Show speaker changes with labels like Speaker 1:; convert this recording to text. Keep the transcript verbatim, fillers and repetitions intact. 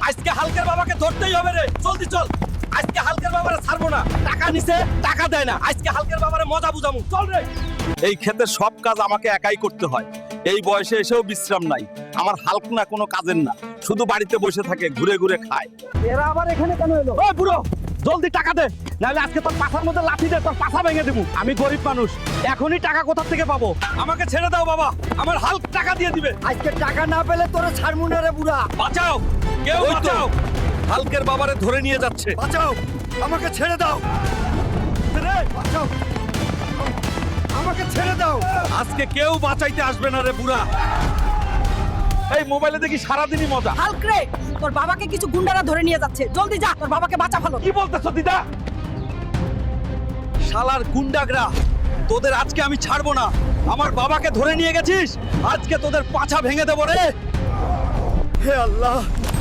Speaker 1: আজকে হালকের বাবাকে ধরতেই হবে রে, জলদি চল। আজকে হালকের বাবারে ছাড়বো না, টাকা নিছে টাকা দেয় না, আজকে হালকের বাবারে মজা বুঝামু, চল রে। এই ক্ষেতের সব কাজ আমাকে একাই করতে হয়, এই বয়সে এসেও বিশ্রাম নাই। আমার হালক না কোনো কাজের না, শুধু বাড়িতে বসে থাকে, ঘুরে ঘুরে খায়।
Speaker 2: এরা আবার এখানে কেন এলো?
Speaker 1: ওই বুড়ো, জলদি টাকা দে, নাহলে আজকে তোর পাছার মধ্যে লাঠি দে, তোর পাছা ভেঙে দেবো। আমি গরিব মানুষ, এখনই টাকা কোথা থেকে পাবো? আমাকে ছেড়ে দাও বাবা, আমার হালক টাকা দিয়ে দিবে।
Speaker 2: আজকে টাকা না পেলে তোরে ছাড়মু না রে বুড়া।
Speaker 1: বাঁচাও, কেউ বাঁচাও, হালকের বাবারে ধরে নিয়ে যাচ্ছে।
Speaker 2: বাঁচাও, আমাকে ছেড়ে দাও রে, বাঁচাও, আমাকে ছেড়ে দাও।
Speaker 1: আজকে কেউ বাঁচাইতে আসবে না রে বুড়া। এই মোবাইলে দেখি সারাদিনই মজা।
Speaker 3: হাল্ক রে, তোর বাবাকে কিছু গুন্ডারা ধরে নিয়ে যাচ্ছে, জলদি যা, তোর বাবাকে বাঁচা ভালো।
Speaker 1: কি বলতেছ দিদা? শালার গুন্ডাগরা, তোদের আজকে আমি ছাড়বো না। আমার বাবাকে ধরে নিয়ে গেছিস, আজকে তোদের পাছা ভেঙে দেবো রে।
Speaker 2: হে আল্লাহ,